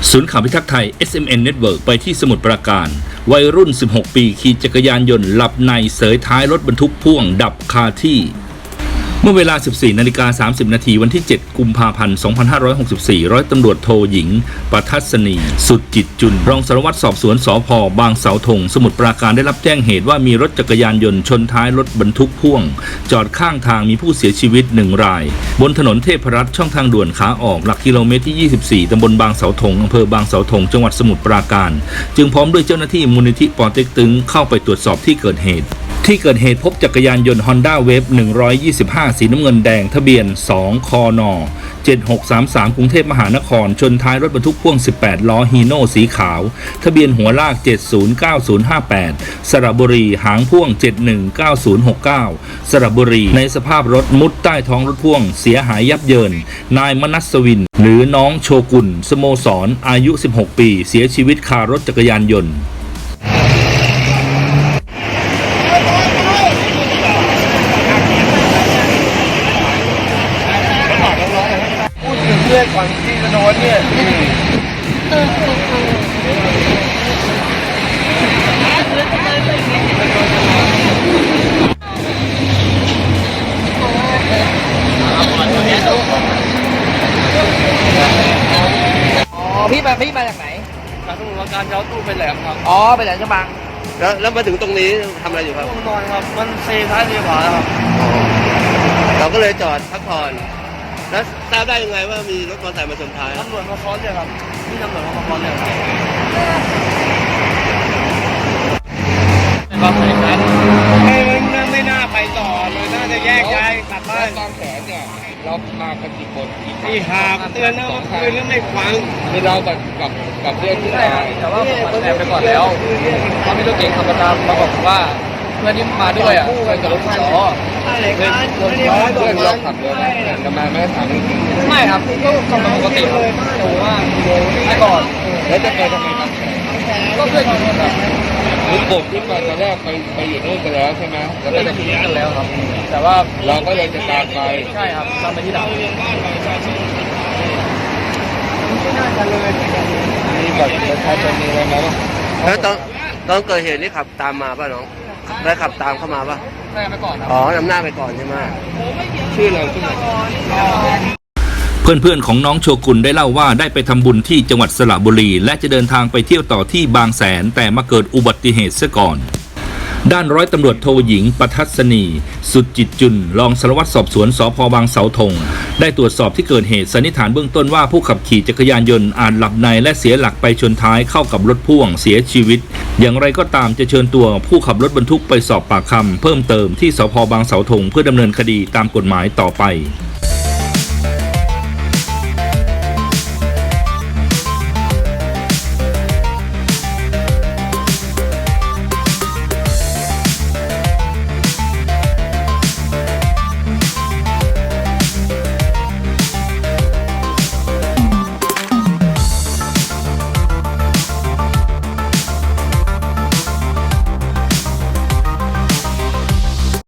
ศูนย์ข่าวพิทักษ์ไทย SMN Network ไปที่สมุทรปราการวัยรุ่น 16 ปีขี่จักรยานยนต์หลับในเสยท้ายรถบรรทุกพ่วงดับคาที่เมื่อเวลา 14:30 นาทีวันที่ 7 กุมภาพันธ์ 2564 ร้อยตำรวจโทหญิงปทัศนีสุดจิตจุลรองสารวัตรสอบสวนสภ.บางเสาธงสมุทรปราการได้รับแจ้งเหตุว่ามีรถจักรยานยนต์ชนท้ายรถบรรทุกพ่วงจอดข้างทางมีผู้เสียชีวิต1 รายบนถนนเทพรัตน์ช่องทางด่วนขาออกหลักกิโลเมตรที่ 24 ตำบลบางเสาธงอำเภอบางเสาธงจังหวัดสมุทรปราการจึงพร้อมด้วยเจ้าหน้าที่มูลนิธิปเต็กตึงเข้าไปตรวจสอบที่เกิดเหตุพบจักรยานยนต์ Honda Wave 125 สีน้ำเงินแดงทะเบียน 2 คน. 7633 กรุงเทพมหานครชนท้ายรถบรรทุกพ่วง 18 ล้อฮีโน่สีขาวทะเบียนหัวลาก 709058 สระบุรีหางพ่วง 719069 สระบุรีในสภาพรถมุดใต้ท้องรถพ่วงเสียหายยับเยินนายมนัสวินหรือน้องโชกุนสโมสรอายุ 16 ปีเสียชีวิตคารถจักรยานยนต์เรื่องก่อนที่จะโดนเนี่ยพี่มาจากไหนจากสมุทรปราการเจ้าตู้ไปแหลมครับอ๋อไปแหลมฉบังแล้วมาถึงตรงนี้ทำอะไรอยู่ครับนอนครับมันเซท้ายเซขวาครับเราก็เลยจอดพักผ่อนแล้วทราบได้ยังไงว่ามีรถมอเตอร์ไซค์มาชนท้ายตำรวจมาค้อนเนี่ยครับที่ตำรวจมาค้อนเนี่ยครับก็เหมือนกันไม่น่าไปต่อเลยน่าจะแยกย้ายกลับบ้านตอนแขนเนี่ยเรามากันกี่คนที่หาเตือนนะว่าคืนแล้วไม่ฟังคือเรากับเพื่อนที่มาแต่ว่าผมแอบไปก่อนแล้วเขาไม่รู้เก่งธรรมดามาบอกว่าเพื่อนที่มาด้วยอ่ะเพื่อนกับรถไฟล้อเพื่อนเราขับเรือไหมจะมาไม่ถามจริงๆไม่ครับก็กำลังปกติเลยแต่ว่าไปก่อนแล้วจะไปทำไมครับก็เพื่อนอยู่นู่นครับคือกลุ่มที่มาตอนแรกไปอยู่นู่นกันแล้วใช่ไหมแล้วก็จะทิ้งกันแล้วครับแต่ว่าเราก็เลยจะตามไปใช่ครับตามไปที่หลังไม่น่าจะเลยมีบัตรประชาชนมีอะไรไหมแล้วตอนเกิดเหตุนี่ขับตามมาป่ะน้องได้ขับตามเข้ามาป่ะไปก่อนอ๋อนำหน้าไปก่อนใช่ไหมชื่อเราชื่อเพื่อนๆของน้องโชกุนได้เล่าว่าได้ไปทำบุญที่จังหวัดสระบุรีและจะเดินทางไปเที่ยวต่อที่บางแสนแต่มาเกิดอุบัติเหตุซะก่อนด้านร้อยตำรวจโทหญิงปทัศนีสุดจิตจุลรองสารวัตรสอบสวนสภ.บางเสาธงได้ตรวจสอบที่เกิดเหตุสันนิษฐานเบื้องต้นว่าผู้ขับขี่จักรยานยนต์อาจหลับในและเสียหลักไปชนท้ายเข้ากับรถพ่วงเสียชีวิตอย่างไรก็ตามจะเชิญตัวผู้ขับรถบรรทุกไปสอบปากคำเพิ่มเติมที่สภ.บางเสาธงเพื่อดำเนินคดีตามกฎหมายต่อไป